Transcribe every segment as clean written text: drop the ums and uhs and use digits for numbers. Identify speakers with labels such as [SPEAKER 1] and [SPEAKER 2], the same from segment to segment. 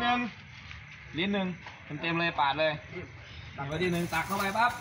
[SPEAKER 1] นึ่งลิ้นหนึ่งเต็มเลยปาดเลยวัดดีหนึ่งตักเข้าไปปั๊บ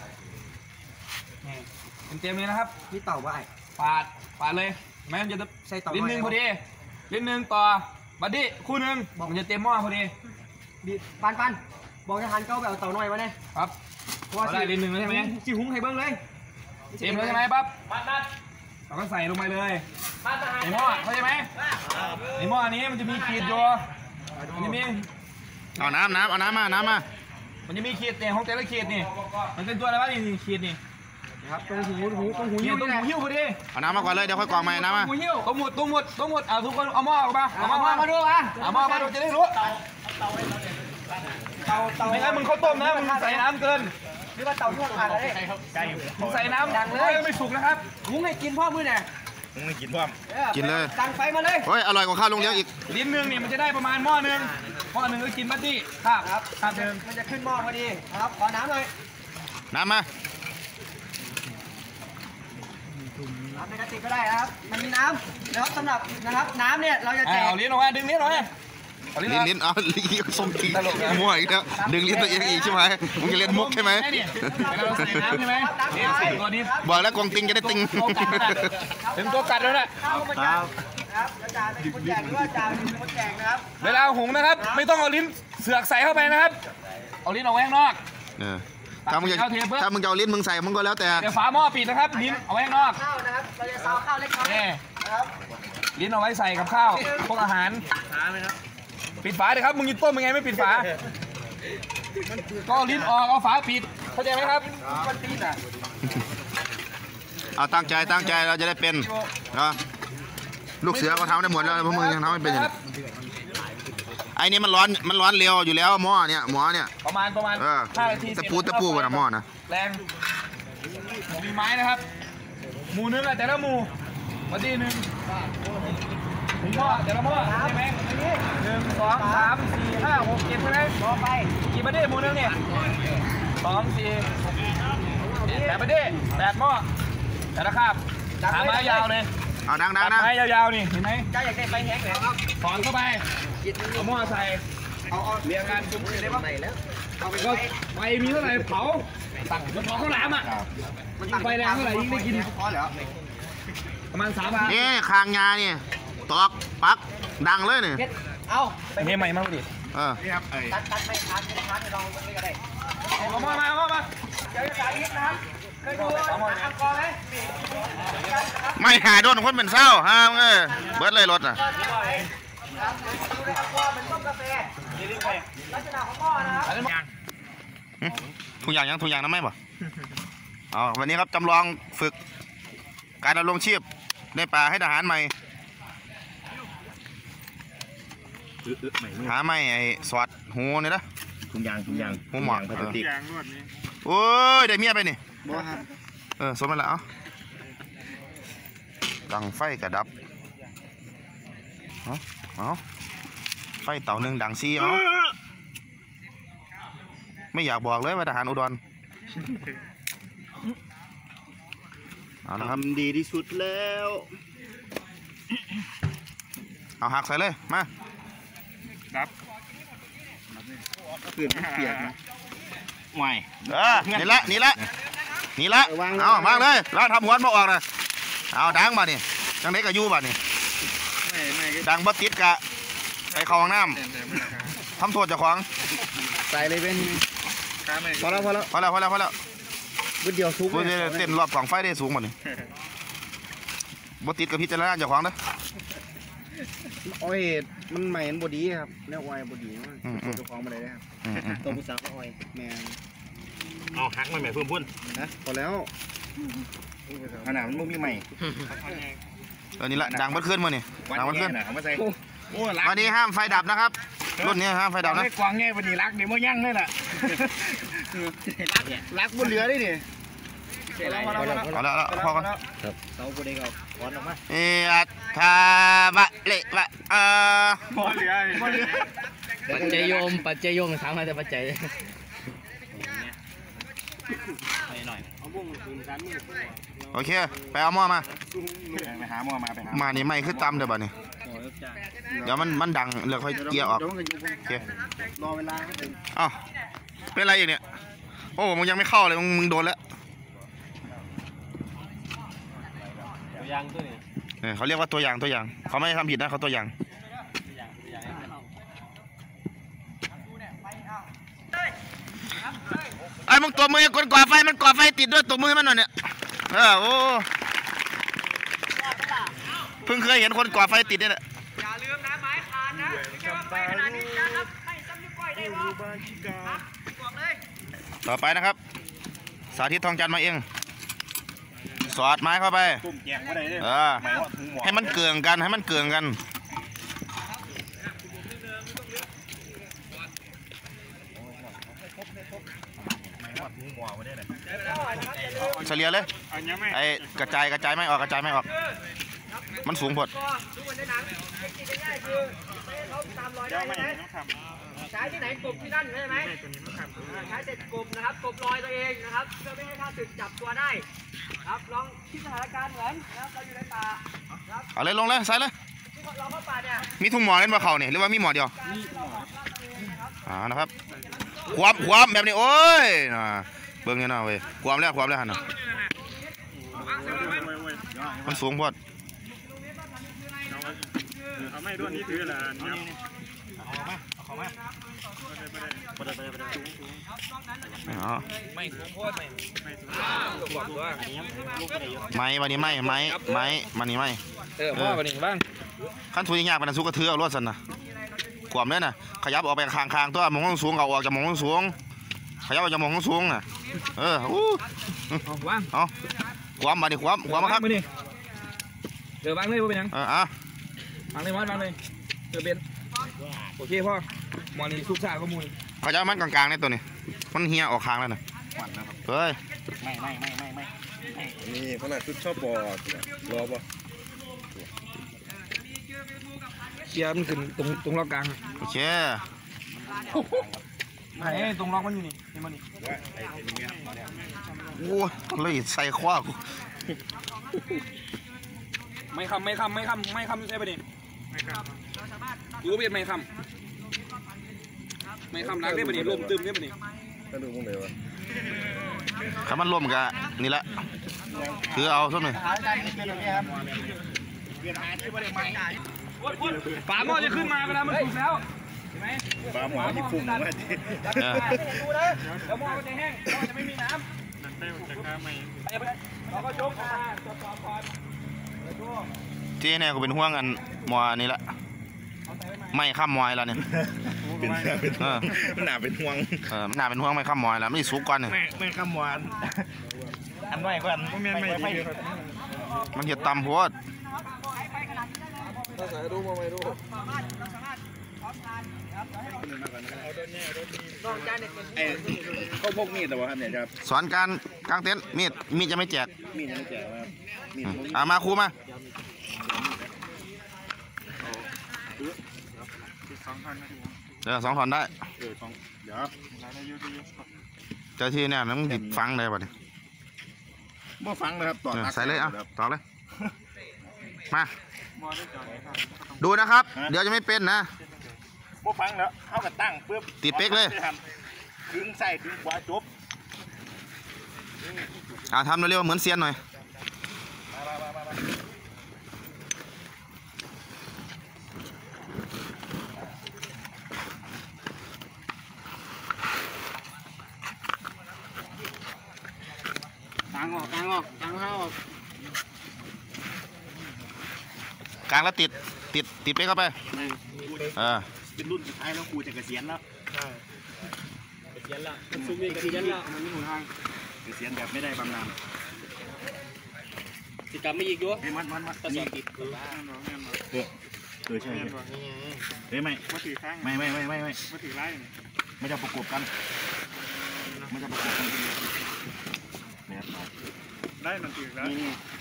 [SPEAKER 1] เต็มเลยนะครับ
[SPEAKER 2] นี่เต่าว่า
[SPEAKER 1] ปาดเลยแม่มันจะ
[SPEAKER 2] ใส่เต่า
[SPEAKER 1] ลิ้นหนึ่งพอดีลิ้นหนึ่งต่อบัดดี้คู่หนึ่งมันจะเต็มหม้อพอดี
[SPEAKER 2] ปันบอกจะหันเก้าแบบเต่าหน่อยวะเนี่ย
[SPEAKER 1] ครับได้ลิ้นหนึ่งแล้วใช่ไหม
[SPEAKER 2] จีหุ้งให้เบิ้งเลย
[SPEAKER 1] เต็มแล้วใช่ไหมปั๊บเราก็ใส่ลงไปเลยในหม้อเข้าใจไหมในหม้อนี้มันจะมีขีดอยู่มันจะมี
[SPEAKER 3] เอาน้ำมา
[SPEAKER 1] มันจะมีขีดเนี่ยของแต่ละขีดนี่มันเป็นตัวอะไรวะนี่ขีดนี่
[SPEAKER 2] ครับตรงหูหิ้ว
[SPEAKER 1] ตรงหูหิ้วพอดี
[SPEAKER 3] เอาน้ำมาก่อนเลยเดี๋ยวค่อยกรองใหม่น้ำมา
[SPEAKER 1] หูหิ้วตรงหมดเอาทุกคนเอาหม้อออกมาเอาหม้อ
[SPEAKER 2] มาดู
[SPEAKER 1] เอาหม้อมาดูจะได้รู้ไม่งั้นมึงข้าวต้มนะมึงใส่น้ำเกิน
[SPEAKER 2] นี่ว่าเต่าที่ขาดอะไร
[SPEAKER 1] มึงใส่น้ำดังเลยไม่สุกนะครับ
[SPEAKER 2] หุงให้กินพ่อมือเนี่ย
[SPEAKER 3] หุงให้กินพ่อกินเลย
[SPEAKER 2] ดังไฟมาเลย
[SPEAKER 3] เฮ้ยอร่อยกว่าข้าวลงเลี้ยวอีก
[SPEAKER 1] ลิ้นนึงนี่มันจะได้ประมาณหม้อนึงก็กินบัดดี้ครับเดิม
[SPEAKER 2] มันจะขึ้นหม้อพอดีครับขอน้ำหน่อย
[SPEAKER 3] น้ำมา
[SPEAKER 2] น้ำในกระติกก็ได้ครับมันมีน้ำนะครับสำหรับนะครับน้ำเนี่ยเราจะแจก
[SPEAKER 1] เอาลิ้นออกมาดึงลิ้นออกมา
[SPEAKER 3] ลิ้นเอาลิ้นส้มตีมั่วอีกแล้วดึงลิ้นตัวเองอีกใช่ไหมมึงจะเล่นมุกใช่ไหม
[SPEAKER 1] เราใส่น้ำใช่ไหมตัวนี้
[SPEAKER 3] บอกแล้วกองติงจะได้ติง
[SPEAKER 1] เป็นตัวกัดแล้วนะครับ
[SPEAKER 2] อาจารย์เป็นคนแจกหรือว่าอาจารย์เป็นคนแจกนะครับ
[SPEAKER 1] เวลาหุงนะครับไม่ต้องเอาลิ้นเสือกใส่เข้าไปนะครับเอาลิ้นออกไว้ข้างนอก
[SPEAKER 3] ถ้ามึงจะเอาลิ้นมึงใส่มึงก็แล้วแต่
[SPEAKER 1] เดี๋ยวฝาหม้อปิดนะครับลิ้นเอาไว้ข้างนอก
[SPEAKER 2] ข้าวนะครับเราจะซาวข้าวเล็กน้อยนะครับ
[SPEAKER 1] ลิ้นเอาไว้ใส่กับข้าวพวกอาหารปิดฝาเลยครับมึงยิงต้มยังไงไม่ปิดฝาก็ลิ้นออกเอาฝาปิดเข้าใจไหมครับมันปิดอ่ะ
[SPEAKER 3] เอาตั้งใจเราจะได้เป็นนะลูกเสือก็ทำได้หมดแล้วพวกมึงยังทำไม่เป็นอย่างไอ้นี่มันร้อนเร็วอยู่แล้วหม้อเนี่ย
[SPEAKER 1] ประมาณ5 นาที
[SPEAKER 3] ตะปูกันนะหม้อนะ
[SPEAKER 1] แรงหมูมีไม้นะครับหมูนึงอะแต่ละหมูมาดีหนึ่งหม้อแต่ละหม้อใช่ไหม1 2 3 4 5 6 7ใช่ไหม
[SPEAKER 2] ต่อไป
[SPEAKER 1] กี่ประเดี๋ยวหมูนึงเนี่ย2 4 8ประเดี๋ยว8หม้อแต่ละคาบหาไม้ยาวเลย
[SPEAKER 3] เอาดังนะ
[SPEAKER 1] ไม้ยาวๆนี่เห็นไหม
[SPEAKER 2] จ้าอยากได้ไฟแห้งเลยครับ
[SPEAKER 1] ถอนเข้าไปเอาหม้อใส่
[SPEAKER 2] เอา
[SPEAKER 1] เรียงกันจุ่มได้ปะก็ไฟมีเท่าไหร่เผาตักมันเผาข้าวหลามอ่ะมันไฟแรงเท่าไหร่ยิ่งได้กินประมาณ3
[SPEAKER 3] นี่คางงาเนี่ยตอกปักดังเลยเนี่ย
[SPEAKER 2] เอา
[SPEAKER 1] เฮ้ยใหม่มากดิ
[SPEAKER 3] นี่ครับ
[SPEAKER 2] ตัดไม่ทันลองไม่ก็ได้
[SPEAKER 1] เอามา
[SPEAKER 2] เดี๋ยวจะสาธิตนะครับเคยดูอังกอร์ไหม
[SPEAKER 3] ไม่หาโดนคนเป็นเศร้าฮะเบิร์ดเลยรถอ่ะ
[SPEAKER 2] ดูในอังกอร์เป็นต้มกาแฟลักษณะของหม้อนะครับ
[SPEAKER 3] ทุกอย่างน้ำไม่บ่อ๋อวันนี้ครับจำลองฝึกการดำรงชีพในป่าให้ทหารใหม่หาไม่ไอ้สวัสดหูนี่นะ
[SPEAKER 4] ทุกอย่าง
[SPEAKER 3] หูหมอก
[SPEAKER 4] พลาสติก
[SPEAKER 3] โอ้ยได้เมียไปนี่สมไปแล้วดังไฟกระดับเอาไฟเต่าหนึ่งดังซีไม่อยากบอกเลยว่าทหารอุดร
[SPEAKER 4] ทำดีที่สุดแล้ว
[SPEAKER 3] เอาหักใส่เลยมา
[SPEAKER 4] ครับเปลี่ยนนะ
[SPEAKER 3] ไม่นี่ละเอามาเลยแล้วทำหัวมาออกนะเอาดังมานี่จังไหนกับยูบ่นี่ดังบัดติดกะใส่ของน้ำทำโทษเจ้าของ
[SPEAKER 4] ใส่เลยเป็นพอแล้ว
[SPEAKER 3] วิดเดียวสูงเต้นรอบกล่องไฟได้สูงหมดนี่บัดติดกับพิจารณาเจ้าของนะ
[SPEAKER 4] อ้อยมันใหม่บดีครับแนวอ้อยบดีเจ้าของมาเลยนะครับตัวผู้สาวอ้อยแมน
[SPEAKER 3] เอาหักมาใหม่เพิ่มพุ่น
[SPEAKER 4] นะพอแล้วขนาดมันมุ้งมีใหม่
[SPEAKER 3] ตอนนี้ละดังบัดขึ้นมาเนี่ยดังบัดขึ้นวันนี้ห้ามไฟดับนะครับรุ่นนี้ห้ามไฟดับนะ
[SPEAKER 4] กวางแง่บดีรักเดี๋ยวมันยั่งเลยล่ะรักบนเรือได้ดิ
[SPEAKER 3] พอแล้วพอกัน
[SPEAKER 4] เสาบดีเขาถอนออกมา
[SPEAKER 3] ทาบะเละบะ
[SPEAKER 2] ปัจจัยโยมถามมาแต่ปัจจัย
[SPEAKER 3] โอเคไปเอาหม้อมา
[SPEAKER 4] ไปหาหม้อมา
[SPEAKER 3] มานี่ไม่คือตำเดี๋ยวบ่นี่เดี๋ยวมันดังเดี๋ยวค่อยเกียร์ออกโอเค
[SPEAKER 4] รอเวลาครับผม
[SPEAKER 3] อ้าวเป็นไรอีกเนี่ยโอ้มึงยังไม่เข้าเลยมึงโดนแล้วตัวอย่างตัวนี้เขาเรียกว่าตัวอย่างเขาไม่ได้ทำผิดนะเขาตัวอย่างไอ้มึงตัวมือคนก่อไฟมันก่อไฟติดด้วยตัวมือมันหน่อยเนี่ยโอ้เพิ่งเคยเห็นคนก่อไฟติดเนี่ยแหละ
[SPEAKER 2] อย่าลืมนะไม้คานนะไม่ใช่ว่าไฟขนาดนี้นะครับไม่ซ้ำนิ้วก้อยได้บ่ครับบอกเลย
[SPEAKER 3] ต่อไปนะครับสาธิตทองจันทร์มาเองสอดไม้เข้าไปให้มันเกลื่อนกันเฉลี่ยเลยไอ้กระจายไม่ออกมันสูงพอด
[SPEAKER 2] ก็ดูเหมือนในหนังเทคนิคง่ายๆคือไม่ให้เขาตามรอยได้ใช่ไหมใช้ที่ไหนกบที่นั่นใช่ไหมใช้เสร็จกบนะครับกบรอยตัวเองนะครับเพื่อไม่ให้ข้าศึกจับตัวได้ครับลองคิดสถานการณ์เหมือนนะครับเราอยู่ในป่าครับ
[SPEAKER 3] เอาเลยลงเลยใส่เลย
[SPEAKER 2] เราเข้าป่าเนี่ย
[SPEAKER 3] มีทุ่งหมอเล่นมาเข่าเนี่ยหรือว่ามีหมอเดียวนะครับความแบบนี้โอ้ยนะเบิ่งเนี่ยนะเว้ยความแล้วหันนะมันสูงพอด
[SPEAKER 1] เอาไม่ด้วยนี่ถือละไม่สูงโคตรไม่บอกว่า
[SPEAKER 3] ไม้วันนี้ไม้มันนี่ไม่
[SPEAKER 1] พ่อวันนี้บ้าง
[SPEAKER 3] ขั้นทุนยากเป็นสุกกระเทือรวดสันนะขวามเนี่ยนะขยับออกไปคางตัวมองสูงเอาออกจากมองสูงขยับออกจากมองสูงน่ะ
[SPEAKER 1] ว่าง
[SPEAKER 3] เอาความมาดิความมาครับ
[SPEAKER 1] เดี๋ยววางเลยว่าเป็นยังวางเลยเดี๋ยวเป็นโอเคพ่อมอนี่ซุกซ่าข้อมูล
[SPEAKER 3] เขาจะมันกลางๆเนี่ยตัวนี้มันเฮียออกคางแล้วนะเฮ้ย
[SPEAKER 4] ไม่นี่ขนาดชุดชอบบอดรอป่ะ
[SPEAKER 1] เชียร์มันขึ้นตรงล็อกกลาง
[SPEAKER 3] โอเค
[SPEAKER 1] ไอ้ตรงล็อกมันอยู่นี่มันนี่
[SPEAKER 3] โอ้เลยใส่คว้ากู
[SPEAKER 1] ไม่คำใช่ปะนี่ยูเบียดไม่คำรักได้ปะนี่ลมตึมได้ปะนี่
[SPEAKER 4] ก็ดูมึงเลยวะ
[SPEAKER 3] ถ้ามันล่มกันนี่แหละคือเอาสักหน่อย
[SPEAKER 1] ฝาหม้อจะขึ้นมาเวลามันสุกแล้วใช่ไหม
[SPEAKER 4] ฝาหม้อที่ฟุ้งมาดิ
[SPEAKER 1] แล้วหม้อจะแห้งหม้อจะไม่มีน้ำนั่นเต้จะข้ามไม่เราก็ยกมาตรวจสอบก่อน
[SPEAKER 3] ที่เนี่ยกูเป็นห่วงกันมอนี่แหละไม่ข้ามมอยแล้วเนี่ย
[SPEAKER 4] มันหนาเป็นห่วง
[SPEAKER 3] หนาเป็นห่วงไม่ข้ามมอยแล้วไม่สุกก่อนเนี่ย
[SPEAKER 4] ไม่ข้ามมอยอันน้อยกว่า
[SPEAKER 3] มันเห็ดตำพวด
[SPEAKER 4] เขาพกมีดแต่ว่าเนี่ยครับ
[SPEAKER 3] สอนการกางเต็นท์มีดจะไม่แจก
[SPEAKER 4] มีดจะไม่แจก
[SPEAKER 3] ครับมาครูมาเดี๋ยว2 ถอนได้
[SPEAKER 4] เดี๋ยว
[SPEAKER 3] เจ้าที่เนี่ยมันดิบฟังได้ป่ะเนี่ย
[SPEAKER 4] บ่ฟังเลยครับต่อ
[SPEAKER 3] ใส่เลยต่อเลยมาดูนะครับเดี๋ยวจะไม่เป็นนะ
[SPEAKER 4] บ่ฟังแล้วเข้ากับตั้งเพื่อ
[SPEAKER 3] ติดเป๊กเลย
[SPEAKER 4] ดึงใส่ดึงขวาจบ
[SPEAKER 3] ทำเร็วๆเหมือนเซียนหน่อย
[SPEAKER 4] กลางออกกลางเข้า
[SPEAKER 3] กลางแล้วติดไปเข้าไป
[SPEAKER 4] เป็นรุ่นสุดท้ายแล้วครูจะเกษียณแล้วเกษียณละมันซุ้มนี่เกษียณละมันไม่หนุนทางเกษียณแบบไม่ได้บำนาญ
[SPEAKER 1] ติดกลับไม่อีกด้วย
[SPEAKER 4] มัน
[SPEAKER 1] ก็สอบติด
[SPEAKER 4] ใช่เฮ้ยไม่ถือข้างไม่ถือไล่ไม่จะประกบกันได้มันถือแล้ว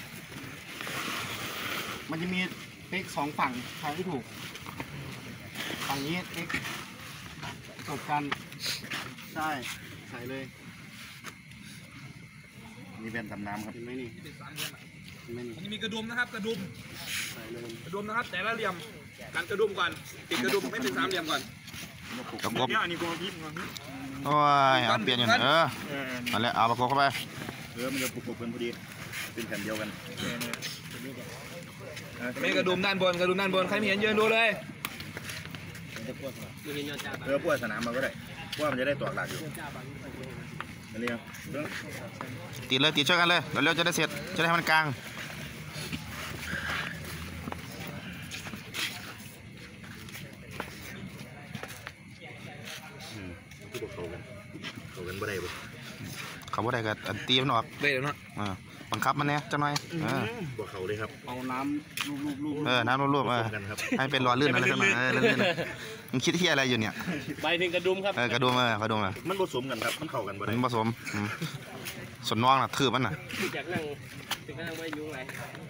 [SPEAKER 4] มันจะมีเป๊ก2 ฝั่งทางที่ถูกฝั่งนี้เป๊กจบกันใส่เลยนี่เป็นตำน้ำครับเห็นไหมนี่
[SPEAKER 1] มันมีกระดุมนะครับกระดุมใส่เลยกระดุมนะครับแต่ละเหลี่ยมกันกระดุมก่อนติดกระดุมให้เป็นสามเหลี่ยมก่อน
[SPEAKER 3] กับกบ
[SPEAKER 5] อันนี้กบพิษก่อน
[SPEAKER 3] โอ้ยเอาเปลี่ยนอย่างนั่นแหละเอาประกบเข้าไป
[SPEAKER 5] มันจะปุกเป็นพอดีเป็นแผ่นเดียวกัน
[SPEAKER 1] ไม่กระดุมด้านบนกระดุมด้านบนใครไม่เห็นยืนดูเลย
[SPEAKER 5] พวกสนามมาก็ได้ว่ามันจะได้ตอกหลักอยู่อันนี้
[SPEAKER 3] ติดเลยติดช่วยกันเลยเร็วๆจะได้เสร็จจะได้ให้มันกลางเขาบ่ได้ก็ตีมันออก
[SPEAKER 1] เดี๋ยวนะ
[SPEAKER 3] บังคับมันเนี่ยจังหน่อย
[SPEAKER 5] บวกเขาเลยครับ
[SPEAKER 4] เอาน้ำลูบ
[SPEAKER 3] น้ำรวบให้เป็นรอลื่นอะไรสักหน่อยลื่นๆมึงคิดที่อะไรอยู่เนี่ย
[SPEAKER 2] ใบหนึ่งกระดุมครับ
[SPEAKER 3] กระดุม
[SPEAKER 5] มันผสมกันครับมันเข้ากันบ่ได้
[SPEAKER 3] มันผสมส่วนน้องน่ะถือมันน่ะ
[SPEAKER 2] จากนั่งไม่ยุ่งไร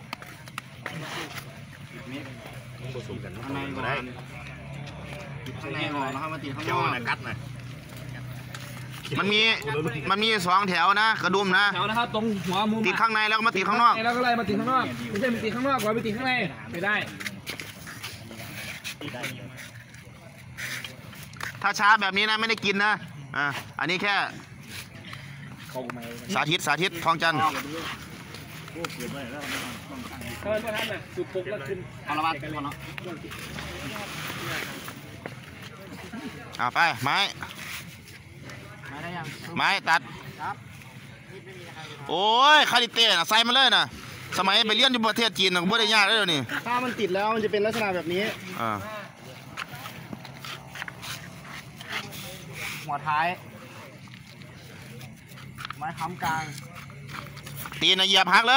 [SPEAKER 5] มันผสมกัน
[SPEAKER 4] ข้างในก่อนข้างในก่อนนะครับมาติดข้างน
[SPEAKER 5] เจ้า
[SPEAKER 4] อก
[SPEAKER 5] น่ะกัดนะ
[SPEAKER 3] มันมี2 แถวนะกระดุมนะ
[SPEAKER 1] แถวนะครับตรงหัวมุม
[SPEAKER 3] ติดข้างในแล้วก็มาติดข้างนอก
[SPEAKER 1] แล้วก็ไล่มาติดข้างนอกไม่ใช่ไปติดข้างนอกก่อนไปติดข้างในไม่ได้
[SPEAKER 3] ถ้าช้าแบบนี้นะไม่ได้กินนะอันนี้แค่สาธิตทองจันทร์
[SPEAKER 2] ถ้ามันพอทันน่ะคือปุกแล้วขึ้น
[SPEAKER 4] เอาละบ้านก่อนเนาะ
[SPEAKER 3] ไปไม้
[SPEAKER 4] มาได้ยัง
[SPEAKER 3] ไม้ตัดโอ้ยคาริเต้น่ะใส่มาเลยนะสมัยไปเรียนอยู่ประเทศจีนน่ะบ่ได้ยากเลยเดี๋ยวนี้
[SPEAKER 4] ถ้ามันติดแล้วมันจะเป็นลักษณะแบบนี้ หัวท้าย ไม้ค้ำกลาง
[SPEAKER 3] ตีนเหยียบหักเลย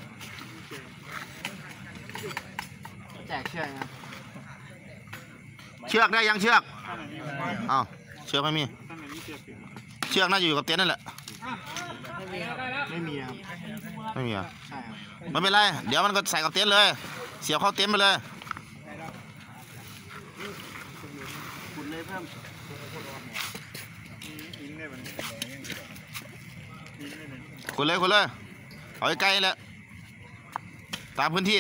[SPEAKER 4] แจกเชือกครับ
[SPEAKER 3] เชือกได้ยังเชือกเชือกไม่มีเชือกน่าจะอยู่กับเต็นท์นั่นแหละ
[SPEAKER 4] ไม่มีครับ
[SPEAKER 3] ไม่มีอ่ะ
[SPEAKER 4] ใช่ครับ
[SPEAKER 3] ไม่เป็นไรเดี๋ยวมันก็ใส่กับเต็นท์เลย เสียบเข้าเต็นท์ไปเลย
[SPEAKER 4] ขุดเลยเพิ่ม
[SPEAKER 3] คุณเลยเอาใกล้ๆแล้วตามพื้นที่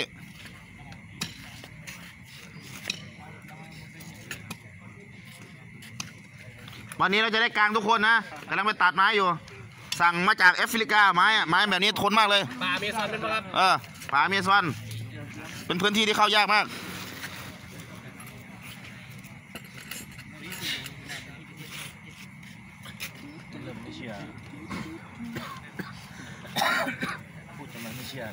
[SPEAKER 3] วันนี้เราจะได้กลางทุกคนนะกำลังไปตัดไม้อยู่สั่งมาจากแอฟริกาไม้แบบนี้ทนมากเลย
[SPEAKER 2] ป่าเมซอนเป็นปะครับ
[SPEAKER 3] ป่าอเมซอนเป็นพื้นที่ที่เข้ายากมาก
[SPEAKER 5] พูดทำไมไม่เชื่อ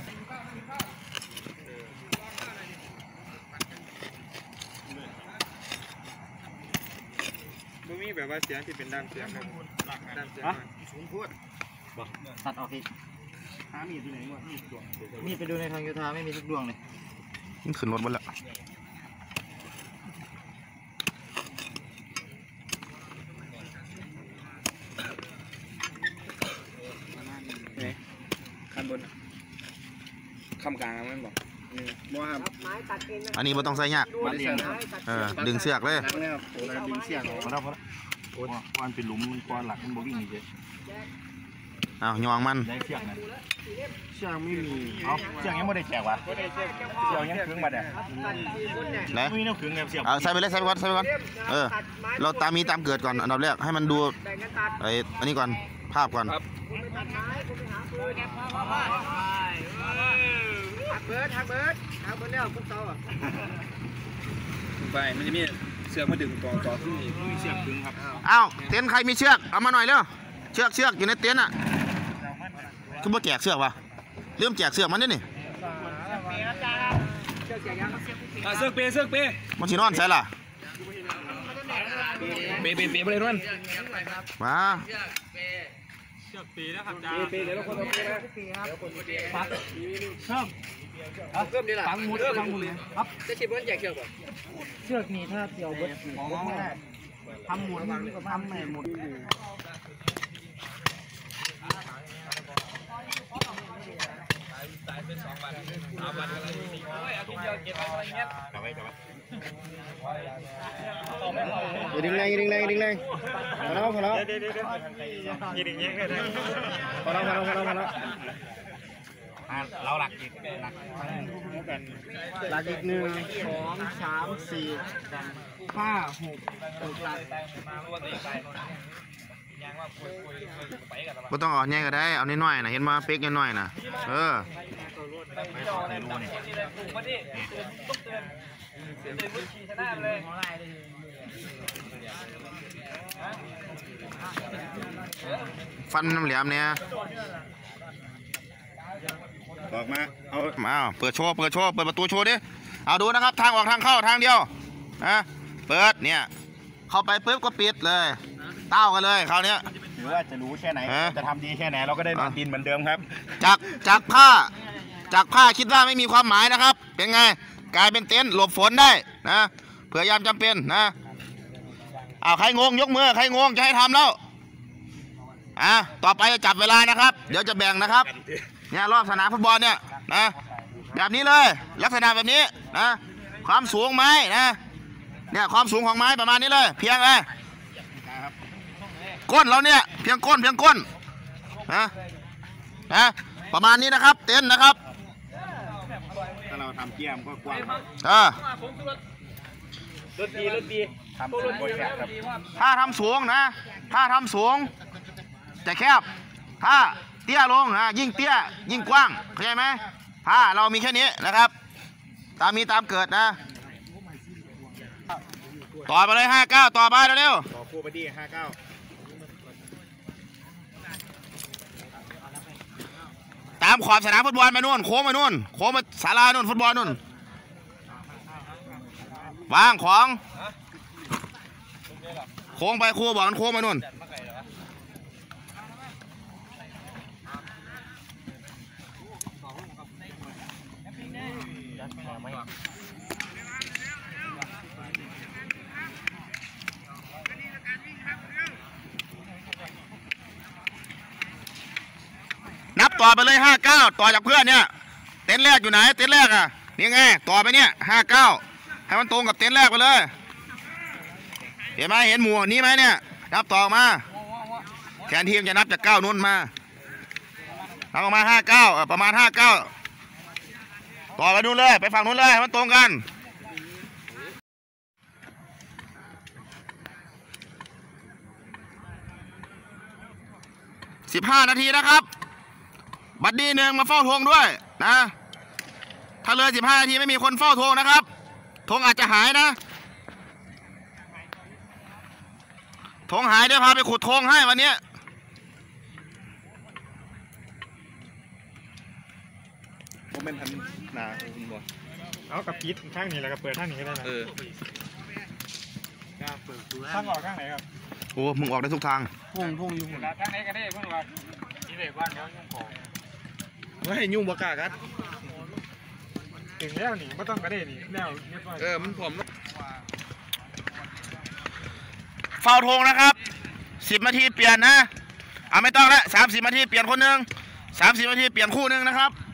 [SPEAKER 5] มันมีแบบว่าเสียงที่เป็นด้านเสียงครับด้านเสียงสูงพูด
[SPEAKER 4] ตัดออกอีกหามีดที่ไหนวะมีดไปดูในทางโยธาไม่มีทุกดวงเลย
[SPEAKER 3] มันขึ้นรถหมดแล้ว
[SPEAKER 1] ขั้นบนคำกลางมันบอก
[SPEAKER 5] ว่า
[SPEAKER 2] ไม้ตัดเองนะ
[SPEAKER 3] อันนี้ไม่ต้องใส่ยาก
[SPEAKER 5] มันเลี้ยง
[SPEAKER 3] ดึงเสือกเลย
[SPEAKER 5] นะครับโอ้ยดึงเสียงพอแล้ววันเป็นหลุมมันกวนหลักมันบ่วิ่งนี่เจ๊
[SPEAKER 3] ยองมัน
[SPEAKER 5] ได้เชือกนะเชือกไม่มีเอาเชือกยังไม่ได้แจกวะเชือกยังขึงมาเด้อ
[SPEAKER 3] ไหน
[SPEAKER 5] ไม่มีน้ำขึงไงเชือก
[SPEAKER 3] ใส่ไปเลยใส่ไปก่อนเราตามมีตามเกิดก่อนอันดับแรกให้มันดู
[SPEAKER 2] แบ่งกันตัด
[SPEAKER 3] อันนี้ก่อนภาพก่อน
[SPEAKER 2] คุณไปตัดไม้คุณไปหาปืนหักเบิร์ดแล้วพวกเตาอ่ะ
[SPEAKER 1] ไปมันจะมีเสือกมาดึงต่อขึ้นอีก
[SPEAKER 5] มีเชือกขึงครับ
[SPEAKER 3] เต็นท์ใครมีเชือกเอามาหน่อยเร็วเชือกอยู่ในเต็นท์คือบ่แจกเชือกวะเริ่มแจกเชือกมันนี่
[SPEAKER 2] เชือกแจกยัง
[SPEAKER 1] เสือกเปย์
[SPEAKER 3] มันสินอนใส่ล่ะ
[SPEAKER 1] เปย์ไปเลยนั่น
[SPEAKER 3] มา
[SPEAKER 1] เปย์เดี๋ยวเราคนเอาเปย์นะ
[SPEAKER 2] เพิ่มดีละ
[SPEAKER 4] ฟังหมุดครับ
[SPEAKER 2] จะชิมเพื่อนแจกเชือกก่อน
[SPEAKER 4] เชือกนี้ถ้าเกี่ยวเบิดไม่ได้ทำหมุดก็ทำไม่หมุด อย่าดึงแรงพอแล้วพอแล้ว
[SPEAKER 5] ยิงยิงเลย
[SPEAKER 4] พอแล้ว
[SPEAKER 3] เราหลักอีกหลัก
[SPEAKER 4] หลักอีก1 2 3 4 5 6หลัก
[SPEAKER 3] ก็ต้องเอาแง่ก็ได้เอาน้อยๆนะเห็นมาเป๊กน้อยๆนะฟันน้ำเหลี่ยมเนี่ยออกมาเอามาเปิดโชว์เปิดประตูโชว์ดิเอาดูนะครับทางออกทางเข้าทางเดียวนะเปิดเนี่ยเข้าไปปุ๊บก็ปิดเลยเต้ากันเลยคราวนี้
[SPEAKER 6] หรือว่าจะรู้แค่ไหนจะทำดีแค่ไหนเราก็ได้นอนดินเหมือนเดิมครับ
[SPEAKER 3] จากผ้าคิดว่าไม่มีความหมายนะครับเป็นไงกลายเป็นเต็นท์หลบฝนได้นะเผื่อยามจำเป็นนะเอาใครงงยกมือใครงงจะให้ทำแล้วต่อไปจะจับเวลานะครับเดี๋ยวจะแบ่งนะครับเนี่ยรอบสนามฟุตบอลเนี่ยนะแบบนี้เลยลักษณะแบบนี้นะความสูงไม้นะเนี่ยความสูงของไม้ประมาณนี้เลยเพียงก้นเราเนี่ยเพียงก้นนะประมาณนี้นะครับเต็นท์นะครับ
[SPEAKER 6] ถ้าเราทำเกียมก็กว้าง
[SPEAKER 5] รถดี
[SPEAKER 6] ทำสูงกว่าแคบครับ
[SPEAKER 3] ถ้าทำสูงนะถ้าทำสูงจะแคบถ้าเตี้ยลงนะยิ่งเตี้ยยิ่งกว้างเข้าใจไหมถ้าเรามีแค่นี้นะครับตามมีตามเกิดนะต่อไปเลย59ต่อไปเร็ว
[SPEAKER 6] ต่อคู่ไปดี59
[SPEAKER 3] ตามขอบสนามฟุตบอลไปนู่นโค้งไปนู่นโค้งไปศาลานู่นฟุตบอลนู่นวางของโค้งไปครูบอกมันโค้งไปนู่นนับต่อไปเลย59ต่อจากเพื่อนเนี่ยเต็นท์แรกอยู่ไหนเต็นท์แรกนี่ไงต่อไปเนี่ย59ให้มันตรงกับเต็นท์แรกไปเลยเห็นไหมเห็นหมู่นี้ไหมเนี่ยนับต่อมาแทนทีมจะนับจาก9นู้นมานับออกมา59ประมาณ59ต่อไปนู้นเลยไปฝั่งนู้นเลยให้มันตรงกัน15 นาทีนะครับบัดดี้1มาเฝ้าธงด้วยนะถ้าเลย15 นาทีไม่มีคนเฝ้าธงนะครับธงอาจจะหายนะธงหายเดี๋ยวพาไปขุดธงให้วันนี้
[SPEAKER 6] ผมเป็นทันนาคุณบอล
[SPEAKER 5] เอากับพีทข้างนี้แล้วก็เปิดข้างนี้ก็ได้นะข้างออกข้างไหนครับ
[SPEAKER 3] โอ้มึงออกได้ทุกทาง
[SPEAKER 4] พุ่งอยู่
[SPEAKER 5] ข้างไหนก็ได้เพิ่งว่าที่เด็กบ้านเขายุ่งของ
[SPEAKER 6] ว่าให้ยุ่งบกากัน
[SPEAKER 5] ถึงแล้วนี่ไม่ต้องกระเด็นนี่แนว
[SPEAKER 6] มันผม
[SPEAKER 3] เฝ้าธงนะครับ10 นาทีเปลี่ยนนะไม่ต้องละ30 นาทีเปลี่ยนคนหนึ่ง30 นาทีเปลี่ยนคู่หนึ่งนะครับ